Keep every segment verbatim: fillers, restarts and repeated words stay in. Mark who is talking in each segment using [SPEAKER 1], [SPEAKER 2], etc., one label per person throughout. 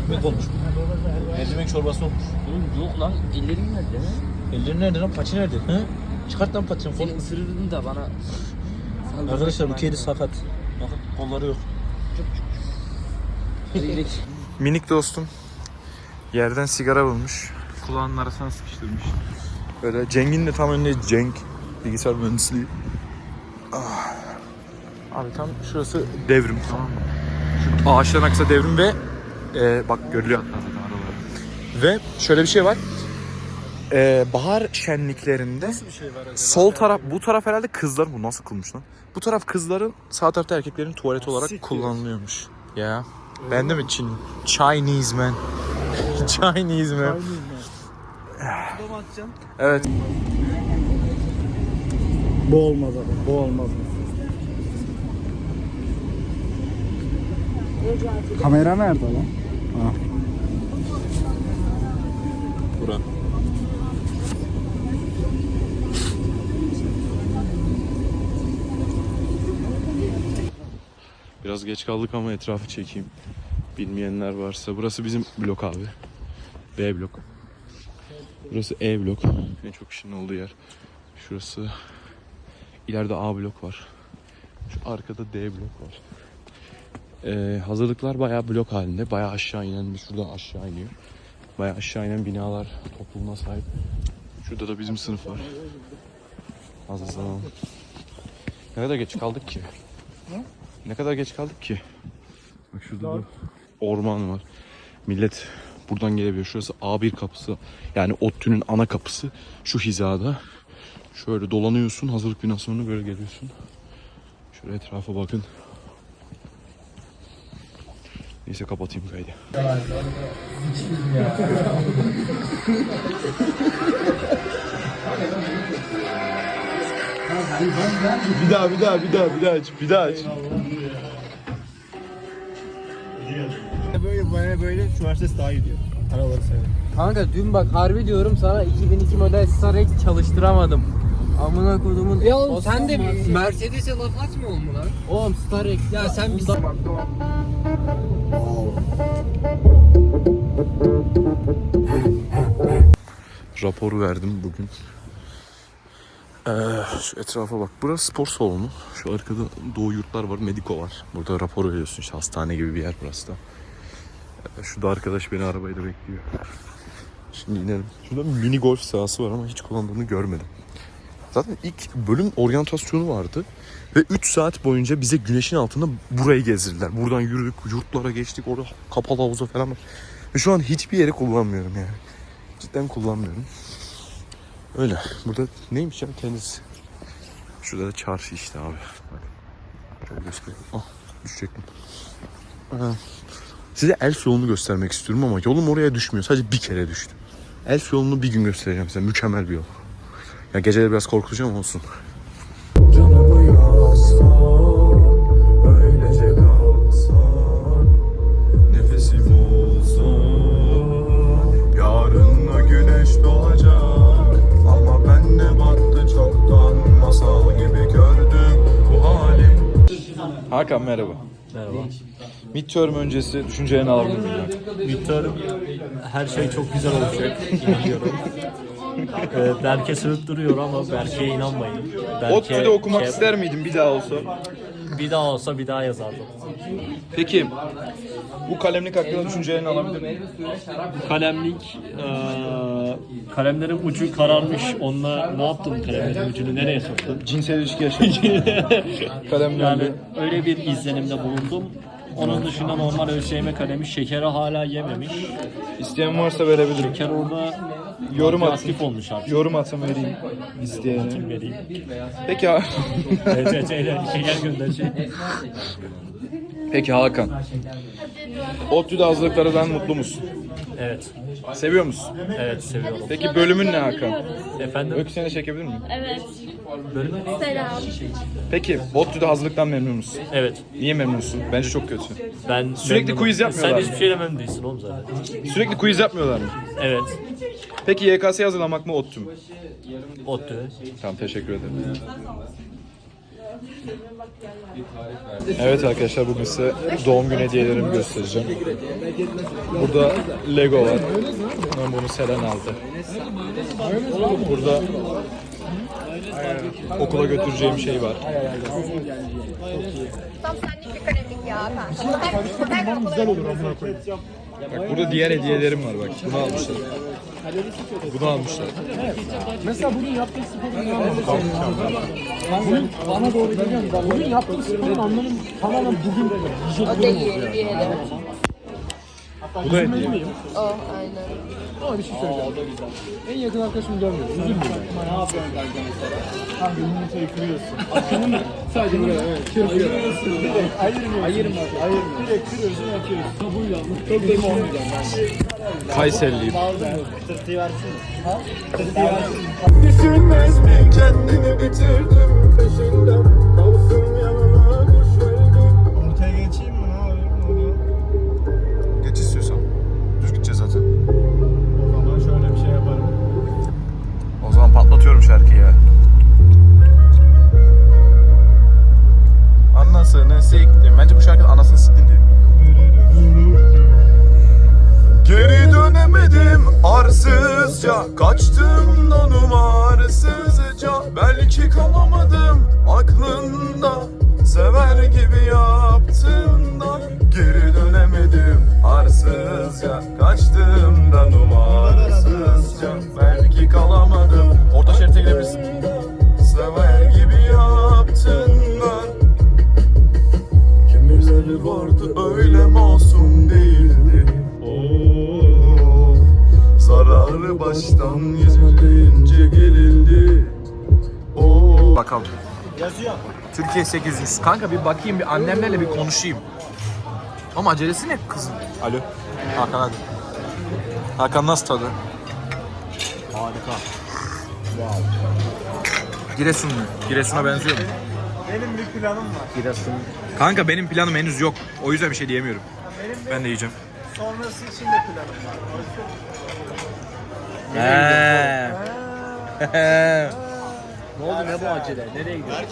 [SPEAKER 1] ekmek olmuş. Mercimek çorbası olmuş.
[SPEAKER 2] Oğlum yok lan, ellerim nerede?
[SPEAKER 1] Ellerin nerede lan? Paçı nerede? He? Çıkart lan paçını.
[SPEAKER 2] Seni ısırırdın da bana.
[SPEAKER 1] Arkadaşlar bu kedi sakat. Bakın kolları yok.
[SPEAKER 3] Minik dostum yerden sigara bulmuş. Kulağının arasına sıkıştırmış. Böyle Cenk'in de tam önünde Cenk. Bilgisayar mühendisliği. Ah. Abi tam şurası devrim, tamam mı? Şu ağaçların aksa devrim ve e, bak görülüyor hatta zaten araları. Ve şöyle bir şey var. E, bahar şenliklerinde
[SPEAKER 1] Nasıl bir şey var acaba?
[SPEAKER 3] sol taraf, bu taraf herhalde kızların, bu nasıl kılmış lan? Bu taraf kızların, sağ tarafta erkeklerin tuvalet olarak
[SPEAKER 1] Siktir.
[SPEAKER 3] kullanılıyormuş. Ya. Ben de mi Çin? Chinese man. Chinese man. Evet.
[SPEAKER 1] Bu olmaz abi. Bu olmaz. Kamera nerede lan? Ha.
[SPEAKER 3] Bura. Biraz geç kaldık ama etrafı çekeyim. Bilmeyenler varsa. Burası bizim blok abi. B blok. Burası E blok. En çok kişinin olduğu yer. Şurası. İleride A blok var. Şu arkada D blok var. Ee, hazırlıklar bayağı blok halinde. Bayağı aşağı inen, şuradan aşağı iniyor. Bayağı aşağı inen binalar topluluğuna sahip. Şurada da bizim sınıf var. Az zaman. Ne kadar geç kaldık ki? Ne? Ne kadar geç kaldık ki? Bak şurada da orman var. Millet buradan gelebiliyor. Şurası A bir kapısı. Yani ODTÜ'nün ana kapısı. Şu hizada. Şöyle dolanıyorsun. Hazırlık binasına böyle geliyorsun. Şöyle etrafa bakın. Neyse kapatayım kaydı. Bir daha bir daha bir daha bir daha aç. Bir daha aç.
[SPEAKER 1] Böyle böyle böyle şu Mercedes daha iyi diyor. Araları severim.
[SPEAKER 2] Kanka dün bak harbi diyorum sana iki bin iki model Starex çalıştıramadım. Amına kodumun. Ya oğlum sen de Mercedes'e laf atmıyor mu lan? Oğlum Starex ya sen bir
[SPEAKER 3] Raporu verdim bugün. Ee, şu etrafa bak. Burası spor salonu. Şu arkada Doğu Yurtlar var. Mediko var. Burada rapor veriyorsun. İşte hastane gibi bir yer burası da. Ee, şurada arkadaş beni arabayla bekliyor. Şimdi inelim. Şurada bir mini golf sahası var ama hiç kullandığını görmedim. Zaten ilk bölüm oryantasyonu vardı. Ve üç saat boyunca bize güneşin altında burayı gezdirdiler. Buradan yürüdük, yurtlara geçtik. Orada kapalı havuza falan var. Ve şu an hiçbir yere kullanmıyorum yani. Cidden kullanmıyorum. Öyle. Burada neymiş ya kendisi? Şurada da çarşı işte abi. Bak. Şöyle göstereyim. Ah, düşecektim. Aha. Size Elf yolunu göstermek istiyorum ama yolum oraya düşmüyor. Sadece bir kere düştü. Elf yolunu bir gün göstereceğim size. Mükemmel bir yol. Ya geceleri biraz korkutucu ama olsun. Canımı yazsan, öylece kalsan, nefesim olsun, yarın o güneş doğacak, ama ben de battı çoktan, masal gibi gördüm bu halim. Hakan merhaba.
[SPEAKER 4] Merhaba.
[SPEAKER 3] Midterm öncesi düşüncelerini alabilir miyim?
[SPEAKER 4] Midterm her şey çok güzel olacak. İnanıyorum. Ee, Berke sövüp duruyor ama Berke'ye inanmayın. Berke,
[SPEAKER 3] ODTÜ'de okumak
[SPEAKER 4] şey-
[SPEAKER 3] ister miydin bir daha olsa?
[SPEAKER 4] Bir daha olsa bir daha yazardım.
[SPEAKER 3] Peki bu kalemlik hakkında düşüncelerini alabilir miyim?
[SPEAKER 4] Kalemlik, eee kalemlerin ucu kararmış. Onunla ne yaptın kalemlerin ucunu nereye soktun?
[SPEAKER 3] Cinsel ilişki yaşamak. Kalemlerle.
[SPEAKER 4] Yani öyle bir izlenimde bulundum. Onun dışında normal ÖSYM kalemi şekeri hala yememiş.
[SPEAKER 3] İsteyen varsa verebilirim.
[SPEAKER 4] Şeker orada
[SPEAKER 3] Yorum atın.
[SPEAKER 4] aktif olmuş artık.
[SPEAKER 3] Yorum atın vereyim isteyene.
[SPEAKER 4] Kim vereyim?
[SPEAKER 3] Peki ha-
[SPEAKER 4] Evet, evet, evet, şeker gönder şey.
[SPEAKER 3] Peki Hakan. ODTÜ'de hazırlıklarından mutlu musun?
[SPEAKER 4] Evet.
[SPEAKER 3] Seviyor musun?
[SPEAKER 4] Evet seviyorum.
[SPEAKER 3] Peki bölümün ne Hakan?
[SPEAKER 4] Efendim?
[SPEAKER 3] Öykü seni de çekebilir miyim?
[SPEAKER 5] Evet.
[SPEAKER 4] Bölümü?
[SPEAKER 5] Selam.
[SPEAKER 3] Peki ODTÜ'de hazırlıktan memnun musun?
[SPEAKER 4] Evet.
[SPEAKER 3] Niye memnunsun? Bence çok kötü.
[SPEAKER 4] Ben
[SPEAKER 3] Sürekli
[SPEAKER 4] memnunum.
[SPEAKER 3] quiz yapmıyorlar
[SPEAKER 4] Sen
[SPEAKER 3] mı?
[SPEAKER 4] hiçbir şeyle memnun değilsin oğlum zaten.
[SPEAKER 3] Sürekli quiz yapmıyorlar mı?
[SPEAKER 4] Evet.
[SPEAKER 3] Peki Y K S'ye hazırlamak mı ODTÜ mü?
[SPEAKER 4] ODTÜ.
[SPEAKER 3] Tamam teşekkür ederim. Evet arkadaşlar, bugün size doğum günü hediyelerimi göstereceğim. Burada Lego var. Ben bunu Selen aldı. Burada okula götüreceğim şey var.
[SPEAKER 5] Tam senlik bir kalemlik ya. Ben güzel olur amına koyayım.
[SPEAKER 3] Bak burada diğer hediyelerim var bak. Bunu almışlar. Bunu almışlar.
[SPEAKER 1] Mesela bugün yaptığın sporun anlamı. Bunun bana doğru geliyorum da bugün yaptığın sporun anlamı tamamen bugün yiyecek
[SPEAKER 5] O değil, diğeri.
[SPEAKER 3] Bu da hediye.
[SPEAKER 5] O, aynen.
[SPEAKER 1] Ama bir şey söyleyeceğim. En yakın arkadaşımı görmüyorum. Üzülmüyorum. Ne yapıyorsun kanka mesela? Kanka yumurtayı kırıyorsun. Akşamı mı? Sadece buraya evet. Kırıyorum. Ayırmıyorsun. Ayırmıyorsun. Ayırmıyorsun. Direkt kırıyorsun yapıyorsun. Kabuğuyla. Çok da olmayacağım ben.
[SPEAKER 3] Kayserliyim.
[SPEAKER 1] Tırtıyı versene. Ha?
[SPEAKER 6] Tırtıyı versene. Düşünmez mi kendini bitirdim peşinden. Kalsın yanıma kuş verdim. Ortaya geçeyim mi? Ne yapayım? Ne oluyor?
[SPEAKER 3] Geç istiyorsan. Düz gideceğiz zaten.
[SPEAKER 6] O zaman şöyle bir şey yaparım.
[SPEAKER 3] O zaman patlatıyorum şarkıyı. Anasını siktim. Bence bu şarkının anasını siktin diyor. Geri dönemedim arsızca, kaçtım da numarasızca. Belki kalamadım aklında, sever gibi yaptın da. Geri dönemedim arsızca, kaçtım da numarasızca. Belki kalamadım. Orta şerite girebilirsin. Sever gibi yaptın da. Kimileri vardı öyle masum değildi. Oh, zararı baştan yüzülince gelildi. Oh. Bakalım.
[SPEAKER 6] Yazıyor.
[SPEAKER 3] Türkiye sekiz yüz. Kanka bir bakayım, bir annemlerle bir konuşayım. Ama acelesi ne kızın? Alo. Hakan hadi. Hakan nasıl tadı?
[SPEAKER 4] Harika.
[SPEAKER 3] Giresun mu? Giresun'a benziyor mu?
[SPEAKER 6] Benim bir planım var.
[SPEAKER 4] Giresun.
[SPEAKER 3] Kanka benim planım henüz yok. O yüzden bir şey diyemiyorum.
[SPEAKER 6] Benim
[SPEAKER 3] Ben de yiyeceğim.
[SPEAKER 6] sonrası için de planım var.
[SPEAKER 3] He.
[SPEAKER 4] Ne oldu, ne bu acele? Nereye gidiyorsun?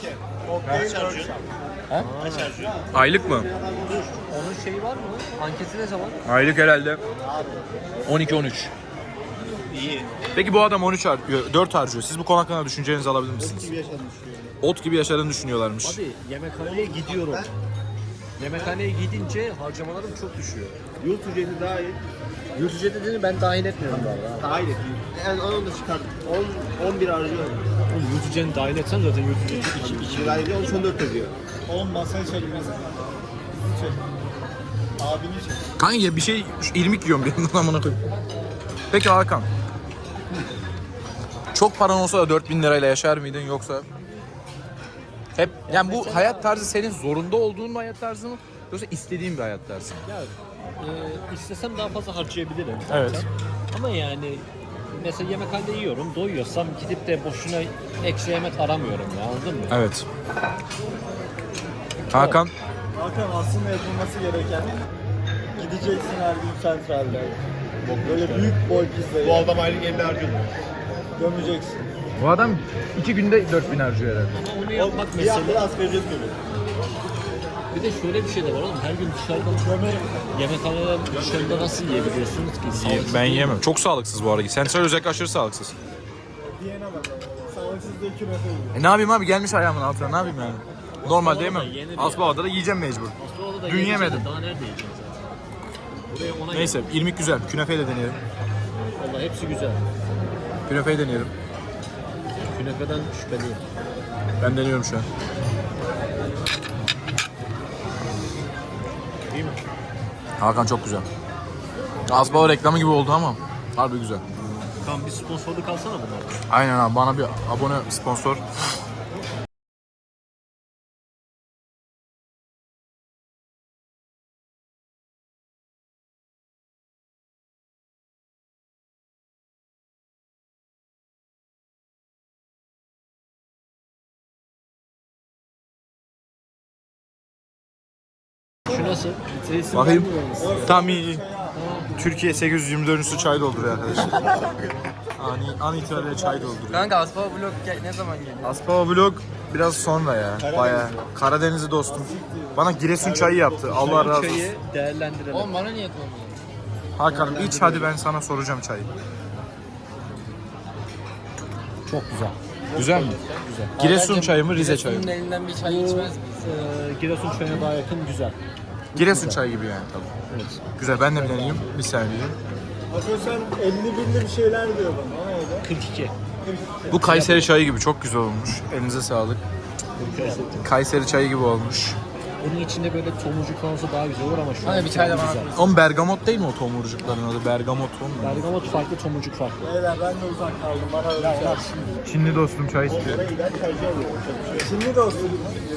[SPEAKER 3] Aylık mı?
[SPEAKER 2] Onun şeyi var mı? Anketi ne zaman?
[SPEAKER 3] Aylık herhalde on iki on üç.
[SPEAKER 6] İyi.
[SPEAKER 3] Peki bu adam on üç harcıyor, dört harcıyor. Siz bu konu hakkında düşüncelerinizi alabilir misiniz?
[SPEAKER 6] Gibi yaşadım düşünüyorum.
[SPEAKER 3] Ot gibi yaşadığını düşünüyorlarmış.
[SPEAKER 4] Abi yemekhaneye gidiyorum. Yemekhaneye gidince harcamalarım çok düşüyor.
[SPEAKER 6] Yurt ücreti daha iyi.
[SPEAKER 4] Yurt ücretini ben dahil etmiyorum bu arada.
[SPEAKER 6] Daha iyi. Yani onu da çıkardım. on, on bir harcıyorum.
[SPEAKER 4] Oğlum yurt ücretini dahil etsen zaten yurt ücreti iki, iki.
[SPEAKER 6] iki lira ediyor, on dört ediyor. on masaya çekin mesela. Çek. Abini çek.
[SPEAKER 3] Kanka ya bir şey irmik yiyorum bir yandan amına koyayım. Peki Hakan. Çok paran olsa da dört bin lirayla yaşar mıydın yoksa? Hep yani bu hayat tarzı senin zorunda olduğun bir hayat tarzı mı yoksa istediğin bir hayat tarzı mı?
[SPEAKER 4] Ya e, istesem daha fazla harcayabilirim zaten.
[SPEAKER 3] Evet.
[SPEAKER 4] Ama yani mesela yemekhanede yiyorum, doyuyorsam gidip de boşuna ekstra yemek aramıyorum ya, anladın mı?
[SPEAKER 3] Evet. Hakan.
[SPEAKER 6] Hakan aslında yapılması gereken gideceksin her gün sentralde. Böyle büyük boy pizzayı. Bu adam aylık elli harcıyor. Gömeceksin.
[SPEAKER 3] Bu adam iki günde dört bin harcıyor herhalde.
[SPEAKER 4] Ama onu yapmak
[SPEAKER 6] Bir
[SPEAKER 4] mesela.
[SPEAKER 6] haftada asgari ücret görüyor.
[SPEAKER 4] Bir de şöyle bir şey de var oğlum, her gün dışarıda yemekhanede dışarıda nasıl yiyebiliyorsunuz ki? Sağlıksız
[SPEAKER 3] Ben
[SPEAKER 4] değil mi?
[SPEAKER 3] yiyemem. Çok sağlıksız bu arada. Sen söyle, özellikle aşırı sağlıksız.
[SPEAKER 6] Diyene bak. Sağlıksız da iki metre yiyor.
[SPEAKER 3] E ne yapayım abi, gelmiş ayağımın altına, ne yapayım yani? Normalde yemem.
[SPEAKER 4] yenir ya.
[SPEAKER 3] Asbaba'da da yiyeceğim mecbur.
[SPEAKER 4] Aslında da
[SPEAKER 3] Dün
[SPEAKER 4] yiyeceğiz de
[SPEAKER 3] yemedim.
[SPEAKER 4] Daha nerede yiyeceğiz zaten? Buraya ona
[SPEAKER 3] Neyse, irmik güzel. Künefeyi de deneyelim.
[SPEAKER 4] Valla hepsi güzel.
[SPEAKER 3] Künefeyi deneyelim.
[SPEAKER 4] Künefeden şüpheliyim.
[SPEAKER 3] Ben deniyorum şu an.
[SPEAKER 4] Değil mi?
[SPEAKER 3] Hakan çok güzel. Asbaba reklamı gibi oldu ama harbi güzel.
[SPEAKER 4] Tamam, bir sponsorluk alsana bunlar.
[SPEAKER 3] Aynen abi, bana bir abone sponsor.
[SPEAKER 4] Şu nasıl?
[SPEAKER 3] Bakayım. Tam iyi. Türkiye sekiz yüz yirmi dördüncüsü çay dolduruyor arkadaşlar. Ani, an itibariyle çay dolduruyor.
[SPEAKER 2] Kanka Aspa Vlog ne zaman geliyor?
[SPEAKER 3] Aspava Vlog biraz sonra ya. Bayağı. Karadenizli dostum. Bana Giresun çayı yaptı. Allah razı olsun.
[SPEAKER 4] Çayı değerlendirelim.
[SPEAKER 2] Oğlum bana niye koymuyorsun?
[SPEAKER 3] Hakan'ım iç hadi, ben sana soracağım çayı.
[SPEAKER 4] Çok güzel.
[SPEAKER 3] Güzel mi? Güzel. Giresun çayı mı, Rize çayı mı?
[SPEAKER 2] Giresun'un elinden bir çay içmez miyiz?
[SPEAKER 4] Ee, Giresun çayına daha yakın güzel.
[SPEAKER 3] Giresun çayı gibi yani tabii.
[SPEAKER 4] Evet.
[SPEAKER 3] Güzel, ben de bir deneyeyim. Bir saniye.
[SPEAKER 6] Hakan sen elli binli bir şeyler diyor bana. O neydi?
[SPEAKER 4] kırk iki.
[SPEAKER 3] Bu Kayseri çayı gibi çok güzel olmuş. Elinize sağlık. Kayseri çayı gibi olmuş.
[SPEAKER 4] Onun içinde böyle tomurcuk olsa daha güzel olur ama şu
[SPEAKER 2] Hadi
[SPEAKER 4] an
[SPEAKER 2] bir çay da bana
[SPEAKER 4] güzel.
[SPEAKER 2] koy.
[SPEAKER 3] Oğlum bergamot değil mi o tomurcukların adı? Bergamot o mu?
[SPEAKER 4] Bergamot farklı, tomurcuk farklı.
[SPEAKER 6] Beyler ben de uzak kaldım. Bana öyle bir şey yapsın.
[SPEAKER 3] Çinli dostum çay istiyor.
[SPEAKER 6] Oraya giden çaycı oluyor. Şimdi de olsun.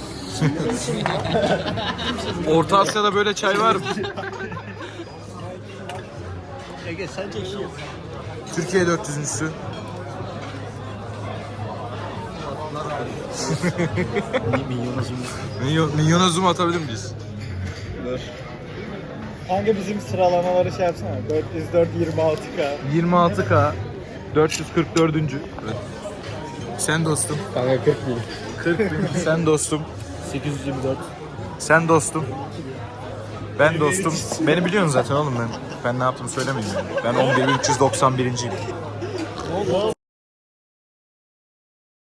[SPEAKER 3] Orta Asya'da böyle çay var mı?
[SPEAKER 4] Ege sen çekiyor.
[SPEAKER 3] Türkiye dört yüzüncüsü. Milyon, milyona zoom atabilir miyiz?
[SPEAKER 6] Kanka bizim sıralamaları şey yapsana. dört yüz dört, yirmi altı K.
[SPEAKER 3] yirmi altı K dört yüz kırk dördüncü. Sen dostum.
[SPEAKER 2] Kanka kırk bin.
[SPEAKER 3] kırk bin. Sen dostum.
[SPEAKER 4] sekiz yüz yirmi dört.
[SPEAKER 3] Sen dostum. Ben dostum. Beni biliyorsun zaten oğlum ben. Ben ne yaptığımı söylemeyeyim yani. Ben on bir bin üç yüz doksan birinciyim.